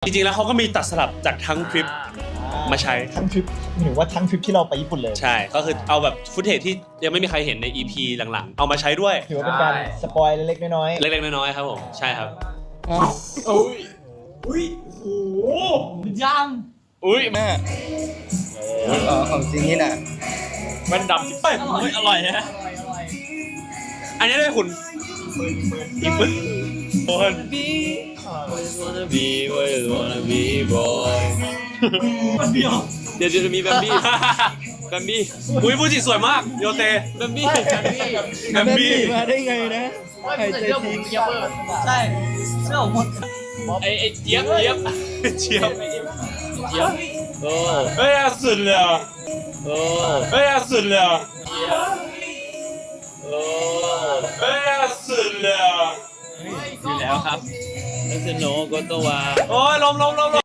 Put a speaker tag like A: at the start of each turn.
A: จริงๆแล้วเขาก็มีตัดสลับจากทั้งคลิปมาใช้
B: ทั้งทริปหรือว่าทั้งทริปที่เราไปญี่ปุ่นเลย
A: ใช่ก็คือเอาแบบฟุตเทจที่ยังไม่มีใครเห็นใน EP หลังๆเอามาใช้ด้วย
B: ถือว่าเป็นการสปอยเล็กๆน้อยๆ
A: เล็กๆน้อยๆครับผมใช่ครับ
C: อุ้ยโอ้โหยัง
A: อุ้ยแม่
D: ของจริงนี่น่ะ
A: แว่นดำที่เป้อร่อยนะอันนี้ด้วยคุณอีปืนโอน
C: คนเดียว
A: เดี๋ยวจะมีแบมบี้แบมบี้อุ้ยฟูจิสวยมากโยเตแบมบี้แบมบี้
D: มาได้ไงนะ
C: ไม่ใส่เสื้อผมเจี๊ยบใช่เสื้อผม
A: ไอ้เจี๊ยบเจี๊ยบเจี๊ยบโอ้เฮ้ยสุดเลยอ่ะโอ้เฮ้ยสุดเลยอ่ะโอ้เฮ้ยสุดเลยอ่ะ
C: อยู่แล้วครับ
A: แล้วจะโนก็ตัวโอ้ยลม